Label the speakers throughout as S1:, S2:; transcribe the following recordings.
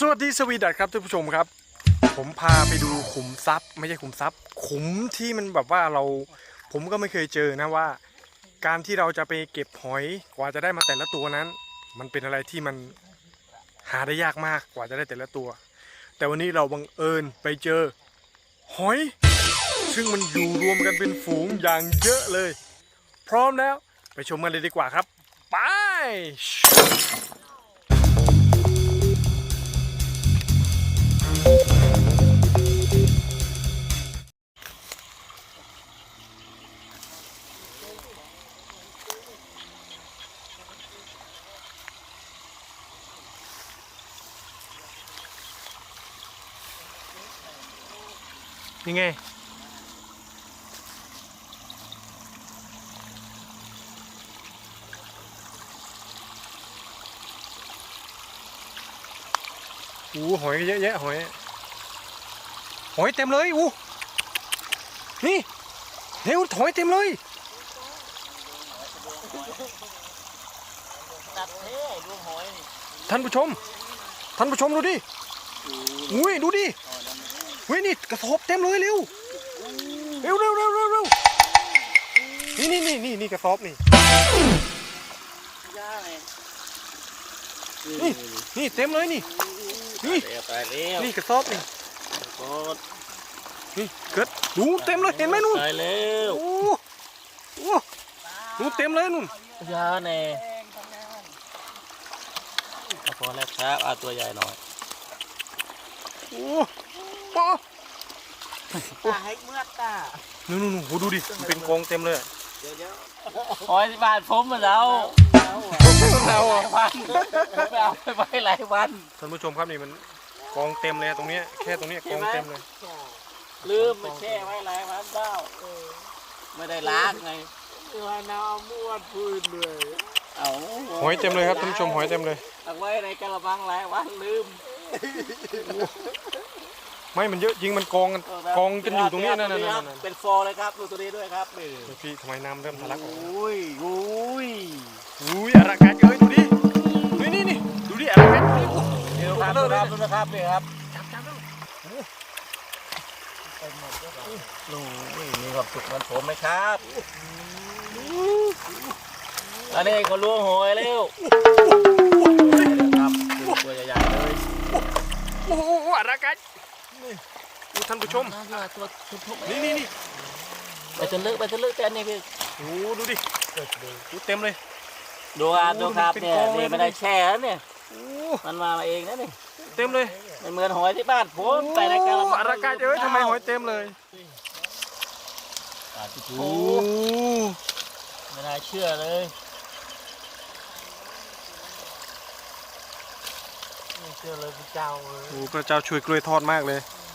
S1: สวัสดีสวีดัสครับท่านผู้ชมครับผมพาไปดูขุมทรัพย์ไม่ใช่ขุมทรัพย์ขุมที่มันแบบว่าผมก็ไม่เคยเจอนะว่าการที่เราจะไปเก็บหอยกว่าจะได้มาแต่ละตัวนั้นมันเป็นอะไรที่มันหาได้ยากมากกว่าจะได้แต่ละตัวแต่วันนี้เราบังเอิญไปเจอหอยซึ่งมันอยู่รวมกันเป็นฝูงอย่างเยอะเลยพร้อมแล้วไปชมกันเลยดีกว่าครับไปยังไงหอยเยอะแยะหอยเต็มเลยนี่เร็วหอยเต็มเลยท่านผู้ชมดูดิดูดินี่กระสอบเต็มเลยเร็วนี่กระสอบนี่เต็มเลยนี่กระสอบนี่เกิดดูเต็มเลยเห็นไหมนู่นดูเต็มเลยนู่น
S2: ยาเน่พอแล้วครับเอาตัวใหญ่หน่อยตาให้เมื่อตา
S1: นู่นดูดิเป็นกองเต็มเลย
S2: หอยบาทผมมาแล้ววันไปเอาไปไว้หลายวัน
S1: ท่านผู้ชมครับนี่มันกองเต็มเลยตรงนี้แค่ตรงนี้กองเต็มเลย
S2: ลืมมาแช่ไว้หลายวันเจ้าไม่ได้ล้างไงว่าน้ำม้วนพื้นเลย
S1: หอยเต็มเลยครับท่านผู้ชมหอยเต็มเลย
S2: เอาไว้ในกระมังหลายวันลืม
S1: ไม่มันเยอะจริงมันกองกันอยู่ตรงนี้นั่น
S2: เป็นฟอร์เลยครับดูตัวนี้ด้วยครับ
S1: พี่ทำไมน้ำเริ่มทะลักออก
S2: อะ
S1: ไรกันเอ้ยดูดินี่ดูดิอะไรกัน
S2: เดี๋ยวครับดูนะครับนี่ครับจับมีความสุขเหมือนผมไหมครับอันนี้ก็ล้วงหอยแล้วครับตัวใหญ่ๆเลย
S1: อะไรกันท่านผู้ชมนี่
S2: ไปจนลึกแต่อันนี้คือ
S1: ดูดิเต็มเลย
S2: ดูครับเนี่ยไม่ได้แช่เนี่ยมันมาเองนะนี่
S1: เต็มเลย
S2: ไม่เหมือนหอยที่บ้านผมไปในกระมัง
S1: อะไรกันเอ้ยทำไมหอยเต็มเลย
S2: ไม่น่าเชื่อเลยไม่เชื่อเลยพระเจ้าเลย
S1: พระเจ้าช่วยกล้วยทอดมากเลย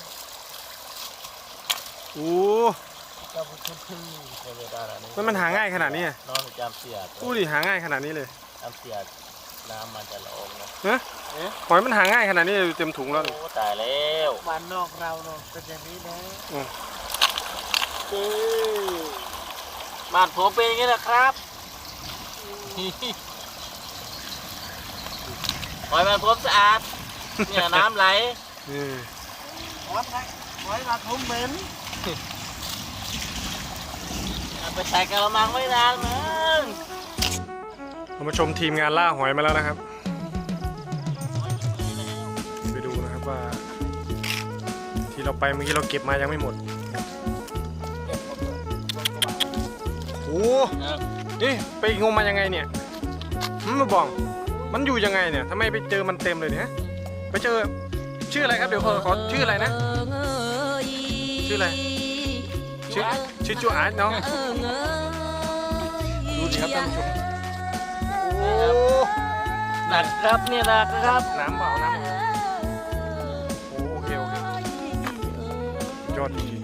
S1: มันหาง่ายขนาดนี้
S2: น้องจำเสียด
S1: ดิหาง่ายขนาดนี้เลย
S2: จำเสียดน้ำมันจะละออง
S1: นะหอยมันหาง่ายขนาดนี้เต็มถุงแล้ว
S2: ตายแล้วบ้านนอกเราเนาะเป็นอย่างนี้นะบ้านผมเป็นอย่างนี้นะครับหอยบ้านผมสะอาดเนี่ยน้ำไหลหอยบ้านผมเหม็นไปใส่กระมังไม่นานมึง
S1: เรามาชมทีมงานล่าหอยมาแล้วนะครับไปดูนะครับว่าที่เราไปเมื่อกี้เราเก็บมายังไม่หมดนี่ไปงมมายังไงเนี่ยมาบอกมันอยู่ยังไงเนี่ยทำไมไปเจอมันเต็มเลยเนี่ยไปเจอชื่ออะไรครับเดี๋ยวขอชื่ออะไรนะชื่ออะไรชื่อจูอาร์ตเนาะดูดิครับท่านผู้ชม
S2: หนักครับเนี่ยนะครับ
S1: น้ำเปล่าน้ำโอเคยอดจริง